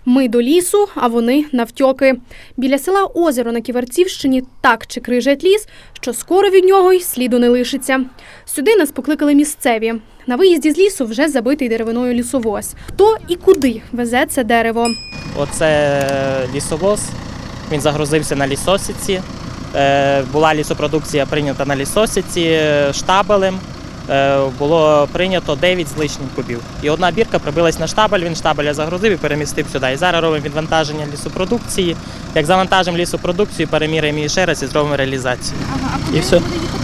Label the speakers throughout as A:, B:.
A: Ми до лісу, а вони навтьоки. Біля села Озеро на Ківерцівщині так чикрижать ліс, що скоро від нього й сліду не лишиться. Сюди нас покликали місцеві. На виїзді з лісу вже забитий деревиною лісовоз. Хто і куди везе це дерево?
B: Оце лісовоз, він загрузився на лісосіці. Була лісопродукція прийнята на лісосіці штабелем. Було прийнято 9 з лишнім кубів. І одна бірка прибилась на штабель, він штабеля загрузив і перемістив сюди. І зараз робимо відвантаження лісопродукції. Як завантажимо лісопродукцію, переміряємо її ще раз і зробимо реалізацію.
A: Ага, а куди
B: і все.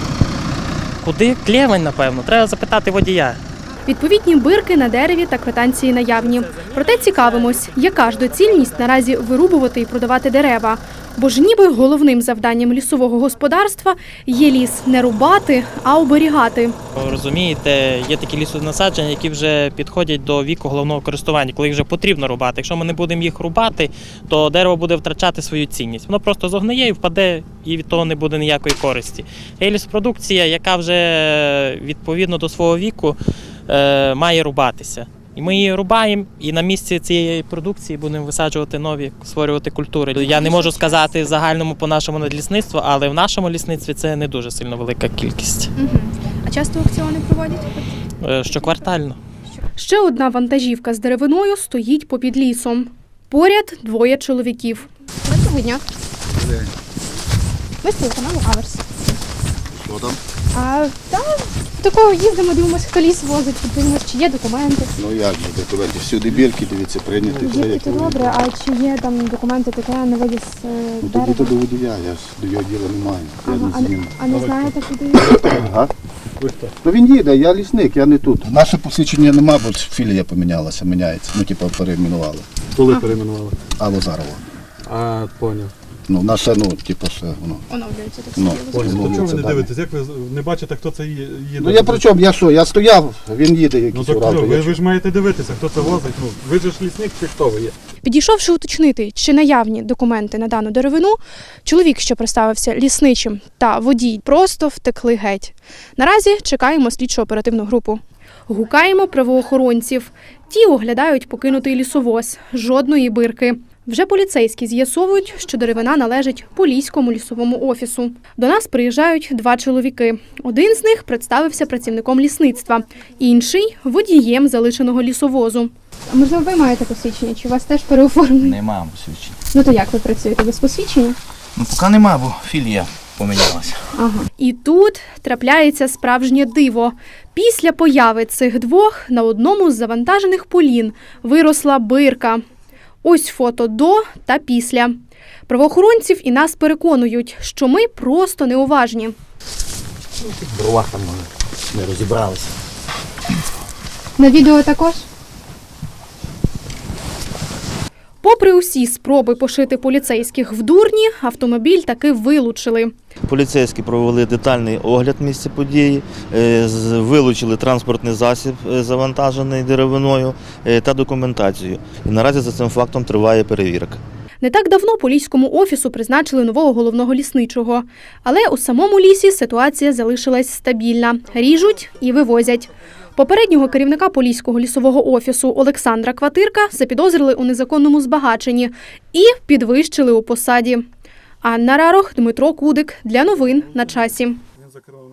B: Куди? Клєвень, напевно. Треба запитати водія.
A: Відповідні бирки на дереві та квитанції наявні. Проте цікавимось, яка ж доцільність наразі вирубувати і продавати дерева. Бо ж ніби головним завданням лісового господарства є ліс не рубати, а оберігати.
B: Розумієте, є такі лісонасадження, які вже підходять до віку головного користування, коли їх вже потрібно рубати. Якщо ми не будемо їх рубати, то дерево буде втрачати свою цінність. Воно просто зогниє і впаде, і від того не буде ніякої користі. Є лісопродукція, яка вже відповідно до свого віку має рубатися. І ми її рубаємо, і на місці цієї продукції будемо висаджувати нові, створювати культури. Я не можу сказати в загальному по нашому надлісництву, але в нашому лісництві це не дуже сильно велика кількість.
A: А часто аукціони проводять?
B: Щоквартально.
A: Ще одна вантажівка з деревиною стоїть попід лісом. Поряд 2 чоловіків. Доброго дня. Ви з телеканалу Аверс.
C: Що там?
A: Такого їздимо, дивимося, хто ліс возить, дивимося, чи є документи.
C: Ну як же документи? Всюди бірки, дивіться, прийняти.
A: Є це добре, а чи є там документи таке на вивіз
C: Ну
A: дерева?
C: тоді то до водія, я ж до його діла не маю. Я не зніму.
A: А не знаєте, куди?
C: Ага. Ну він їде, я лісник, я не тут. Наше посвідчення нема, бо філія помінялася, міняється. Ну типу перейменували.
D: Коли перейменували?
C: А Лозарова.
D: А, поняв.
C: Ну наше, ну, типу, ще воно.
A: Оновлюється так
C: Ну,
A: собі.
D: Поняв.
C: Ну,
D: То чому
C: це
D: ви не
C: дане.
D: дивитесь? Як ви не бачите, хто це їде?
C: Ну я при чому? Я що? Я стояв, він їде
D: Ну
C: якийсь
D: так
C: урал.
D: ви ж маєте дивитися, хто це возить. Ну, ви ж лісник чи хто ви є?
A: Підійшовши уточнити, чи наявні документи на дану деревину, чоловік, що представився лісничим, та водій просто втекли геть. Наразі чекаємо слідчо-оперативну групу. Гукаємо правоохоронців. Ті оглядають покинутий лісовоз. Жодної бирки. Вже поліцейські з'ясовують, що деревина належить Поліському лісовому офісу. До нас приїжджають 2 чоловіки. Один з них представився працівником лісництва, інший – водієм залишеного лісовозу. А можливо, ви маєте посвідчення? Чи у вас теж переоформлені?
E: Нема посвідчення.
A: Ну то як ви працюєте без посвідчення?
E: Ну поки нема, бо філія помінялася.
A: Ага. І тут трапляється справжнє диво. Після появи цих 2 на одному з завантажених полін виросла бирка. Ось фото до та після. Правоохоронців і нас переконують, що ми просто неуважні.
E: В бровах там не розібралися.
A: На відео також? Попри усі спроби пошити поліцейських в дурні, автомобіль таки вилучили.
F: Поліцейські провели детальний огляд місця події, вилучили транспортний засіб, завантажений деревиною, та документацію. І наразі за цим фактом триває перевірка.
A: Не так давно Поліському офісу призначили нового головного лісничого. Але у самому лісі ситуація залишилась стабільна. Ріжуть і вивозять. Попереднього керівника Поліського лісового офісу Олександра Кватирка запідозрили у незаконному збагаченні і підвищили у посаді. Анна Рарох, Дмитро Кудик. Для новин на часі.